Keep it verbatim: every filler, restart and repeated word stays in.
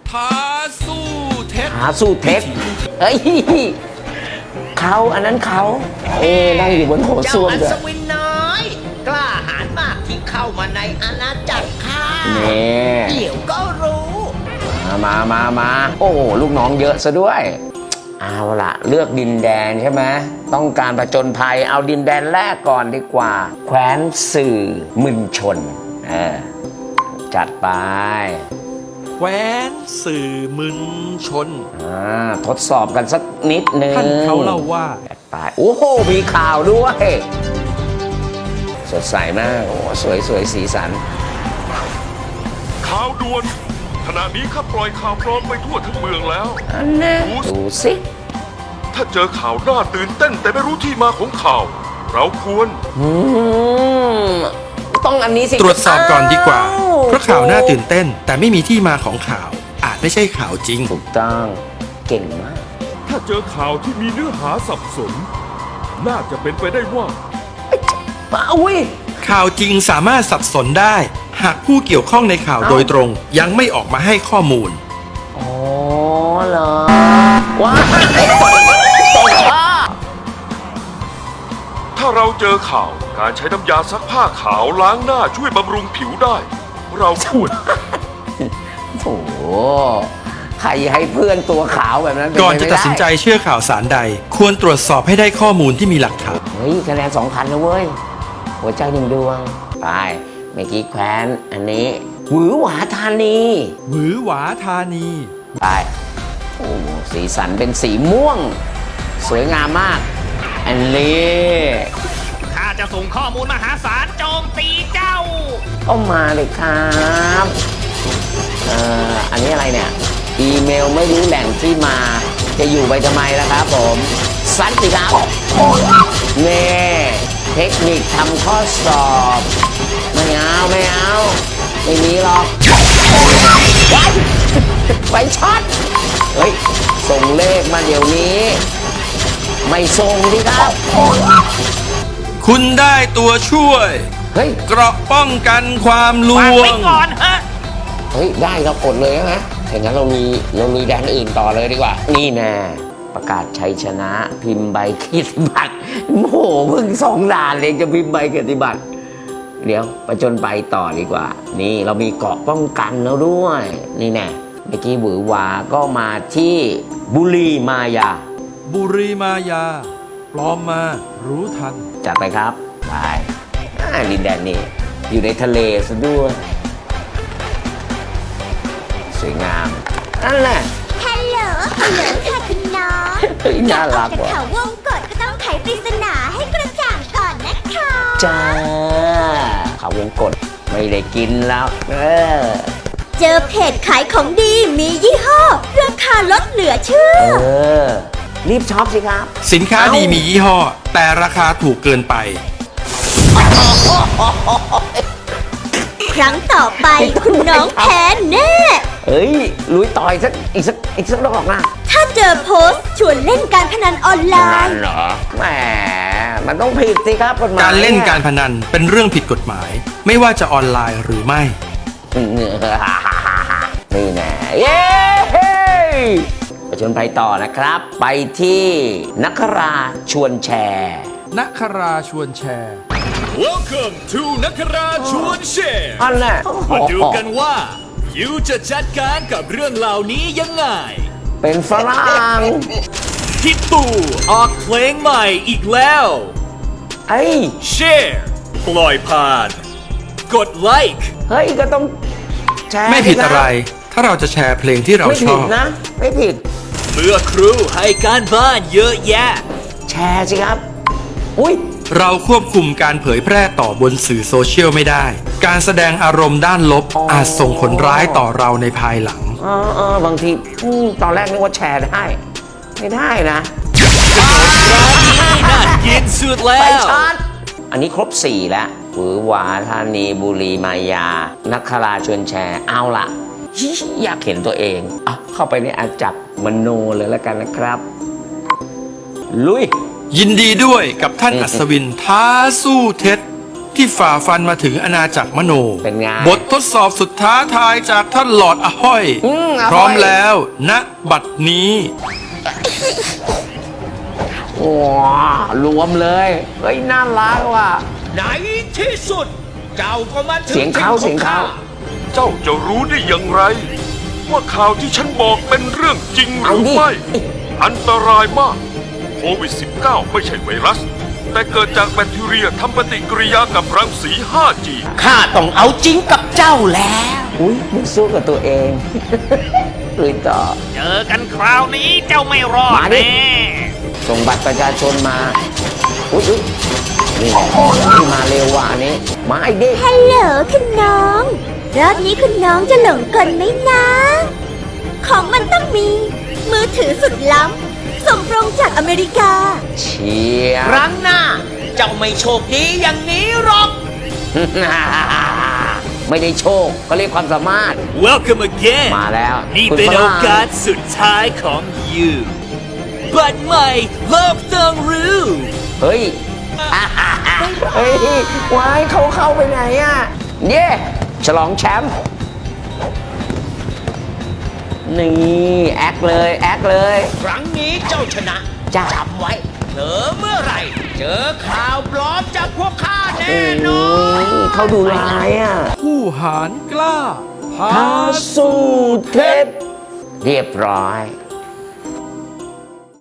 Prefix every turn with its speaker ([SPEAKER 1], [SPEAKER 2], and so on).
[SPEAKER 1] ท้าสู้เท็จ
[SPEAKER 2] ท้าสู้เท็จเอ้ยเขาอันนั้นเขาเอ้นั่งอยู่บนโถส้วม
[SPEAKER 3] เจ้าอั
[SPEAKER 2] ด้วย
[SPEAKER 3] ศวินน้อยกล้าหาญมากที่เข้ามาในอาณาจักรข้า
[SPEAKER 2] นี่
[SPEAKER 3] เดี๋ยวก็รู้
[SPEAKER 2] มามามามาโอ้ลูกน้องเยอะซะด้วยเอาล่ะเลือกดินแดนใช่ไหมต้องการผจญภัยเอาดินแดนแรกก่อนดีกว่าแคว้นสื่อมึนชนเออจัดไป
[SPEAKER 1] แคว้นสื่อมึนชน
[SPEAKER 2] อ่าทดสอบกันสักนิดนึง
[SPEAKER 1] ท่านเขาเล่าว่า
[SPEAKER 2] จัดไปโอ้โหมีข่าวด้วยสดใสมากโอ้สวยสวยสีสัน
[SPEAKER 4] ข่าวด่วนขณะนี้ข้าปล่อยข่าวปลอมไปทั่วทั้งเมืองแล้ว
[SPEAKER 2] อันนี้ดูสิ
[SPEAKER 4] ถ้าเจอข่าวน่าตื่นเต้นแต่ไม่รู้ที่มาของข่าว เราควร
[SPEAKER 2] อืมต้องอันนี้สิ
[SPEAKER 5] ตรวจสอบก่อนดีกว่า
[SPEAKER 2] อ้
[SPEAKER 5] เพราะข่าวน่าตื่นเต้น แต่ไม่มีที่มาของข่าว อาจไม่ใช่ข่าวจริง
[SPEAKER 2] ถูกต้องเก่งมาก
[SPEAKER 4] ถ้าเจอข่าวที่มีเนื้อหาสับสน น่าจะเป็นไปได้ว่า
[SPEAKER 2] มาอุ้ย
[SPEAKER 5] ข่าวจริงสามารถสับสนได้ หากผู้เกี่ยวข้องในข่าว
[SPEAKER 2] เอ้า
[SPEAKER 5] โดยตรง ยังไม่ออกมาให้ข้อมูล
[SPEAKER 2] อ๋อเหรอว้ายตกท่อ
[SPEAKER 4] ถ้าเราเจอข่าวการใช้น้ำยาซักผ้าขาวล้างหน้าช่วยบำรุงผิวได้ เราควร
[SPEAKER 2] โถใครให้เพื่อนตัวขาวแบบนั้นเป็
[SPEAKER 5] ก่อน
[SPEAKER 2] ไป
[SPEAKER 5] จะ
[SPEAKER 2] ไม่
[SPEAKER 5] ตัดสินใจ
[SPEAKER 2] ไ
[SPEAKER 5] เชื่อข่าวสารใด ควรตรวจสอบให้ได้ข้อมูลที่มีหลักฐาน
[SPEAKER 2] เฮ้ยคะแนนสองพันนะเว้ย หัวใจหนึ่งดวง ไปเมื่อกี้แคว้นอันนี้หวือหวาธานี
[SPEAKER 5] หวือหวาธานี
[SPEAKER 2] ไป โอ้สีสันเป็นสีม่วง สวยงามมาก อันนี้
[SPEAKER 3] ข้าจะส่งข้อมูลมหาศาลโจมตีเจ้า
[SPEAKER 2] ก็มาเลยครับเอ่ออันนี้อะไรเนี่ย อีเมลไม่รู้แหล่งที่มา จะอยู่ไปทำไมล่ะครับผมซัดสิครับเน่เทคนิคทำข้อสอบ ไม่เอาไม่เอาไม่มีหรอกว้ายไปช็อตเฮ้ย ส่งเลขมาเดี๋ยวนี้ ไม่ส่งดิครับ
[SPEAKER 5] คุณได้ตัวช่วย
[SPEAKER 2] เฮ้ย
[SPEAKER 5] เกราะป้องกันความล
[SPEAKER 3] วาง
[SPEAKER 5] ว
[SPEAKER 3] ไว้
[SPEAKER 5] ง
[SPEAKER 3] ก่อนฮะ
[SPEAKER 2] เฮ้ย ได้เรากดเลยใช่ไหมถ้างั้นเรามีเรามีแดนอื่นต่อเลยดีกว่า นี่แน่ประกาศชัยชนะพิมพ์ใบเกียรติบัตรโอ้โหเพิ่งสองด่านเลยจะพิมพ์ใบเกียรติบัตรเดี๋ยวประจนไปต่อดีกว่า นี่เรามีเกราะป้องกันแล้วด้วย นี่แน่เมื่อกี้หวือหวาก็มาที่บุรีมายา
[SPEAKER 5] บุรีมายา ปลอมมารู้ทัน
[SPEAKER 2] จัดไปครับไปอ่าดินแดนนี่อยู่ในทะเลซะด้วยสวยงามนั่นแหละ
[SPEAKER 6] ฮัลโหล ฮัลโหลค่ะคุณน้อง
[SPEAKER 2] เฮ้ยน่ารัก
[SPEAKER 6] จาก
[SPEAKER 2] ว่ะ
[SPEAKER 6] เขาวงกฏก็ต้องไขปริศนาให้กระจ่างก่อนนะคะ
[SPEAKER 2] จ้าเขาวงกดไม่ได้กินแล้ว เออ
[SPEAKER 6] เจอเพจขายของดีมียี่ห้อ ราคาลดเหลือเชื่อ
[SPEAKER 2] เออ รีบช็อปสิครับ
[SPEAKER 5] สินค้าดีมียี่ห้อ แต่ราคาถูกเกินไป
[SPEAKER 6] ครั้งต่อไปคุณน้องแพ้แน่
[SPEAKER 2] เฮ้ย ลุยต่อยสักอีกสักอีกสักดอกนะ
[SPEAKER 6] ถ้าเจอโพสต์ชวนเล่นการพนันออนไล
[SPEAKER 2] นั่น
[SPEAKER 6] น์
[SPEAKER 2] เหรอแหมมันต้องผิดสิครับกฎหมาย
[SPEAKER 5] การเล่นการพนันเป็นเรื่องผิดกฎหมาย ไม่ว่าจะออนไลน์หรือไม่
[SPEAKER 2] นี่แน่เย้ไปชวนไปต่อนะครับ ไปที่นักราชวนแชร์
[SPEAKER 5] นักคราชวนแชร์
[SPEAKER 1] Welcome to นักราชวนแชร์
[SPEAKER 2] อันน่ะ
[SPEAKER 1] มาดูกันว่ายูจะจัดการกับเรื่องเหล่านี้ยังไง
[SPEAKER 2] เป็นฝรั่ง
[SPEAKER 1] พี่ตู่ออกเพลงใหม่อีกแล้ว
[SPEAKER 2] ไอ้
[SPEAKER 1] แชร์ปล่อยผ่าน กดไลค์
[SPEAKER 2] เฮ้ย ก็ต้องแชร์
[SPEAKER 5] ไม่ผิด
[SPEAKER 2] สิคบ
[SPEAKER 5] อะไร ถ้าเราจะแชร์เพลงที่เรา
[SPEAKER 2] ไม่
[SPEAKER 5] ช
[SPEAKER 2] ผิ
[SPEAKER 5] อ
[SPEAKER 2] ด
[SPEAKER 5] บ
[SPEAKER 2] นะ ไม่ผิด
[SPEAKER 1] เมื่อครูให้การบ้านเยอะแยะ
[SPEAKER 2] แชร์สิครับ อุ้ย
[SPEAKER 5] เราควบคุมการเผยแพร่ต่อบนสื่อโซเชียลไม่ได้ การแสดงอารมณ์ด้านลบ
[SPEAKER 2] อ๋ออ
[SPEAKER 5] อาจส่งผลร้ายต่อเราในภายหลัง
[SPEAKER 2] เออเออบางทีอืมตอนแรกนึกว่าแชร์ได้ ไม่ได้นะ
[SPEAKER 1] น่ากินสุดแล้
[SPEAKER 2] ไป
[SPEAKER 1] ว
[SPEAKER 2] ช็อตอันนี้ครบสี่แล้วหวือหวาธานีบุรีมายา นักคราชวนแชร์ เอาล่ะฮิอยากเห็นตัวเองอ่ะเข้าไปในอาจักรมโนเลยแล้วกันนะครับ ลุย
[SPEAKER 5] ยินดีด้วยกับท่านอัศวินท้าสู้เท็จที่ฝ่าฟันมาถึงอาณาจักรมโน
[SPEAKER 2] เป็นไง
[SPEAKER 5] บททดสอบสุดท้าทายจากท่านหลอร์ดอะห้อย
[SPEAKER 2] อืมอะห้อย
[SPEAKER 5] พร้อมแล้วณบัดนี้
[SPEAKER 2] ว้ารวมเลย เฮ้ย น่ารักว่ะ
[SPEAKER 3] ในที่สุด เจ้าก็มาถึง
[SPEAKER 2] เสียงเขา
[SPEAKER 3] ที่
[SPEAKER 2] เสียงเขา
[SPEAKER 3] อ
[SPEAKER 4] เจ้าจะรู้ได้อย่างไร ว่าข่าวที่ฉันบอกเป็นเรื่องจริงห
[SPEAKER 2] เอา
[SPEAKER 4] รือ
[SPEAKER 2] ดิ
[SPEAKER 4] ไม่ อันตรายมาก โควิด สิบเก้า ไม่ใช่ไวรัส แต่เกิดจากแบคทีเรียทำปฏิกิริยากับรังสี ห้าจี
[SPEAKER 3] ข้าต้องเอาจริงกับเจ้าแล้ว
[SPEAKER 2] อุ้ยมึงสู้กับตัวเอง ลุยต่อ
[SPEAKER 1] เจอกันคราวนี้เจ้าไม่รอด
[SPEAKER 2] มาดิ
[SPEAKER 1] แน่
[SPEAKER 2] ส่งบัตรประชาชนมา อุ้ยอุ๊ยนี่แหละนี่มาเร็วว่ะอันนี้ มาอีกดิ
[SPEAKER 6] ฮัลโหลคุณน้อง รอบนี้คุณน้องจะหลงกลไหมนะ ของมันต้องมี มือถือสุดล้ำ ส่งตรงจากอเมริกา
[SPEAKER 2] เชีย
[SPEAKER 3] ครั้งหน้า เจ้าไม่โชคดีอย่างนี้หรอก
[SPEAKER 2] ไม่ได้โชค ก็เรียกความสามารถ
[SPEAKER 1] Welcome again
[SPEAKER 2] มาแล้ว
[SPEAKER 1] นี่
[SPEAKER 2] คุณ
[SPEAKER 1] เป็น
[SPEAKER 2] ฝ
[SPEAKER 1] โอ
[SPEAKER 2] รั่ง
[SPEAKER 1] กาสสุดท้ายของ you บัตรใหม่โลกต้องรู้
[SPEAKER 2] เฮ้ย เฮ้ย วายเขาเข้าไปไหนอ่ะ เย่ฉลองแชมป์ นี่ แอคเลย แอคเลย
[SPEAKER 3] ครั้งนี้เจ้าชนะ
[SPEAKER 2] จ้ะ
[SPEAKER 3] จำไว้เผลอเมื่อไหร่ เจอข่าวปลอมจากพวกข้าแน่
[SPEAKER 2] โอ้
[SPEAKER 3] นอน
[SPEAKER 2] ยเขาดูร้ายอ่ะ
[SPEAKER 5] ผู้หารกล้า
[SPEAKER 2] พาสู้เทพเรียบร้อย